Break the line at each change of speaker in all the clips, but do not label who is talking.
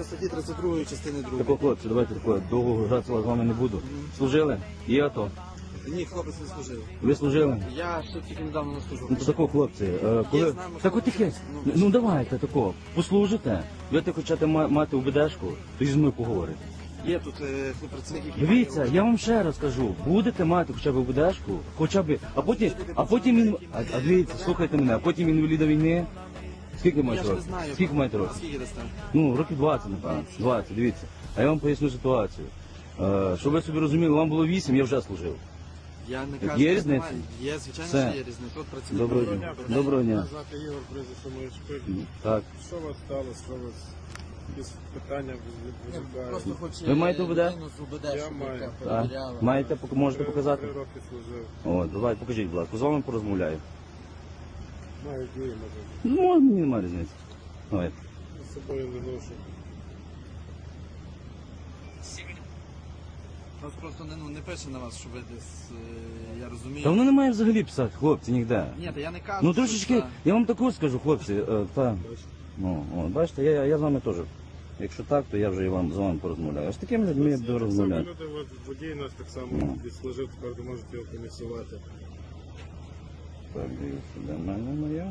частина статті 32 частини 2.
Тако, хлопці, давайте тако, довго гратися з вами не буду. Служили? Є АТО?
Ні, хлопець не служив.
Ви служили?
Я ще тільки недавно не служив.
Ну то тако, хлопці, коли...
знаю,
Так от таке, ну давайте тако, послужите. Ви хочете мати УБДшку, то зі мною поговорите.
Є тут працівник, який
Дивіться, я вам ще раз кажу, будете мати хоча б УБДшку, хоча б, а потім дивіться, слухайте мене, а потім інваліда війни. Скільки
Я
маєте
ж не
років?
знаю.
Скільки маєте років?
Скільки дасте?
Ну, років 20, напевно. 20, дивіться. А я вам поясню ситуацію. Щоб ви собі розуміли, вам було 8, я вже служив.
Я не
Є
кажу, що
різниця?
немає. Є, звичайно,
Все.
що є різниця. Тут працівник.
Доброго дня. Доброго дня.
Звати Ігор, прізвище моє Шпик.
Так.
Що у вас сталося? Що у вас якісь питання виникають?
Просто хоче
Ви маєте УБД?
людину з УБД,
Я
щоб
маю.
яка
Так.
перевіряла.
Маєте, можете показати?
3 роки служив.
О, давай, покажіть, будь ласка, з вами порозмовляю.
Маю дії, може.
Ну, мені немає різниці. Давайте.
З собою не ношу.
Нас просто не пише на вас, що ви десь, я розумію.
Та воно не має взагалі писати, хлопці, ніде.
Ні, та я не кажу.
Ну
що
трошечки,
це-
я вам таку скажу, хлопці, ну, бачите, я з вами теж. Якщо так, то я вже і з вами порозмовляю. А з такими людьми я буду розмовляти.
Люди, от водій нас так само
Ну.
відслужив, тепер ви можете його комісувати.
Так, дивіться, де моя.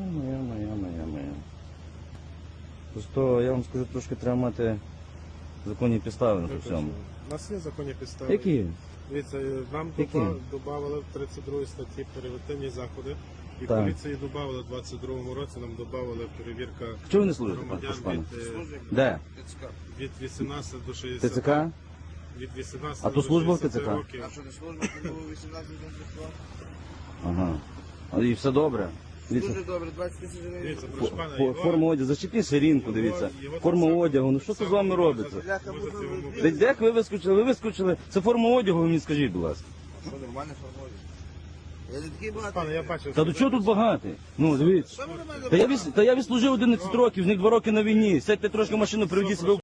Просто я вам скажу, трошки треба мати законні підстави на це всьому.
У нас є законні підстави.
Які?
Дивіться, нам
Які?
додавали в 32 статті перевертинні заходи. І
Так.
поліції додавали в 22-му році, нам додавали перевірка
Чого ви не служите,
громадян
прошу пана?
від,
Де?
від 18 до 60.
ТЦК?
Від 18
А то
до
служба в
60
ТЦК?
років.
А що не служба, то було 18 років.
Ага. І все добре. Дивіться,
Дуже добре, 20 тисяч гривень.
Дивіться, прошу пана, його-
форма одягу, зачепіть ширинку, дивіться. Форма одягу, ну що це з вами робиться?
Можете йому
Де як ви вискочили? Ви вискочили. Це форма одягу, ви мені скажіть, будь ласка.
Що, нормально формує? Я не такий багатий.
Пане, я бачив.
Та до чого тут багатий? Ну, дивіться.
Що ви нормально
Та я відслужив 11 років, з них 2 роки на війні. Сядьте трошки в машину, приведіть себе в